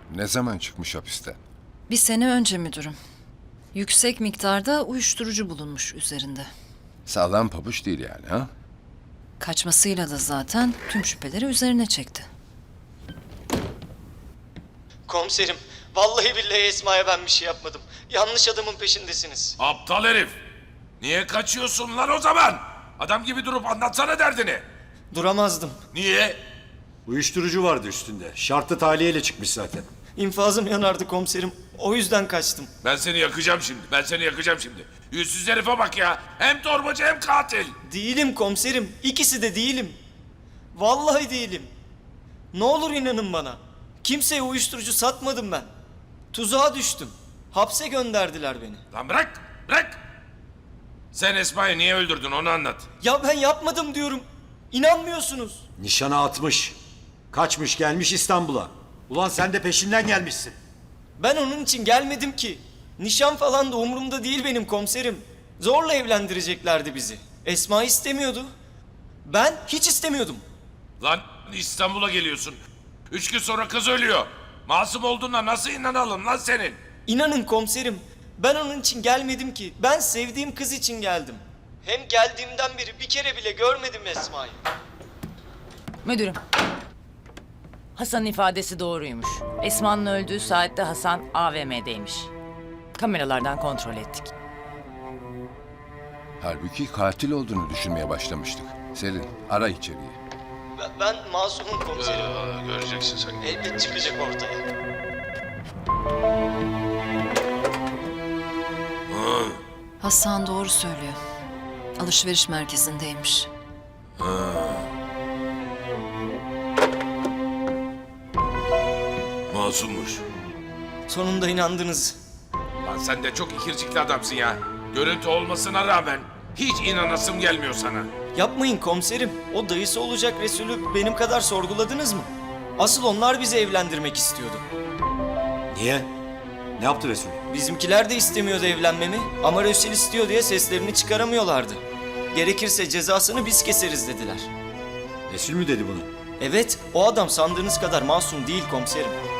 Ne zaman çıkmış hapisten? Bir sene önce müdürüm. Yüksek miktarda uyuşturucu bulunmuş üzerinde. Sağlam pabuç değil yani ha? Kaçmasıyla da zaten tüm şüpheleri üzerine çekti. Komiserim, vallahi billahi Esma'ya ben bir şey yapmadım. Yanlış adamın peşindesiniz. Aptal herif. Niye kaçıyorsun lan o zaman? Adam gibi durup anlatsana derdini. Duramazdım. Niye? Uyuşturucu vardı üstünde. Şartlı tahliyeyle çıkmış zaten. İnfazım yanardı komiserim. O yüzden kaçtım. Ben seni yakacağım şimdi. Ben seni yakacağım şimdi. Yüzsüz herife bak ya. Hem torbacı hem katil. Değilim komiserim. İkisi de değilim. Vallahi değilim. Ne olur inanın bana. Kimseye uyuşturucu satmadım ben. Tuzağa düştüm. Hapse gönderdiler beni. Lan bırak. Bırak. Sen Esma'yı niye öldürdün onu anlat. Ya ben yapmadım diyorum. İnanmıyorsunuz. Nişana atmış. Kaçmış gelmiş İstanbul'a. Ulan sen de peşinden gelmişsin. Ben onun için gelmedim ki. Nişan falan da umurumda değil benim komiserim. Zorla evlendireceklerdi bizi. Esma istemiyordu. Ben hiç istemiyordum. Lan İstanbul'a geliyorsun. 3 gün sonra kız ölüyor. Masum olduğuna nasıl inanalım lan senin? İnanın komiserim, ben onun için gelmedim ki. Ben sevdiğim kız için geldim. Hem geldiğimden beri bir kere bile görmedim Esma'yı. Müdürüm. Hasan'ın ifadesi doğruymuş. Esma'nın öldüğü saatte Hasan AVM'deymiş. Kameralardan kontrol ettik. Halbuki katil olduğunu düşünmeye başlamıştık. Selin, ara içeriği. Ben masumum komiserim. Göreceksin sen. Elbet çıkacak ortaya. Hasan doğru söylüyor. Alışveriş merkezindeymiş. Masummuş. Sonunda inandınız. Lan sen de çok ikircikli adamsın ya. Görüntü olmasına rağmen hiç inanasım gelmiyor sana. Yapmayın komiserim. O dayısı olacak Resulü benim kadar sorguladınız mı? Asıl onlar bizi evlendirmek istiyordu. Niye? Ne yaptı Resul? Bizimkiler de istemiyordu evlenmemi ama Resul istiyor diye seslerini çıkaramıyorlardı. Gerekirse cezasını biz keseriz dediler. Resul mü dedi bunu? Evet, o adam sandığınız kadar masum değil komiserim.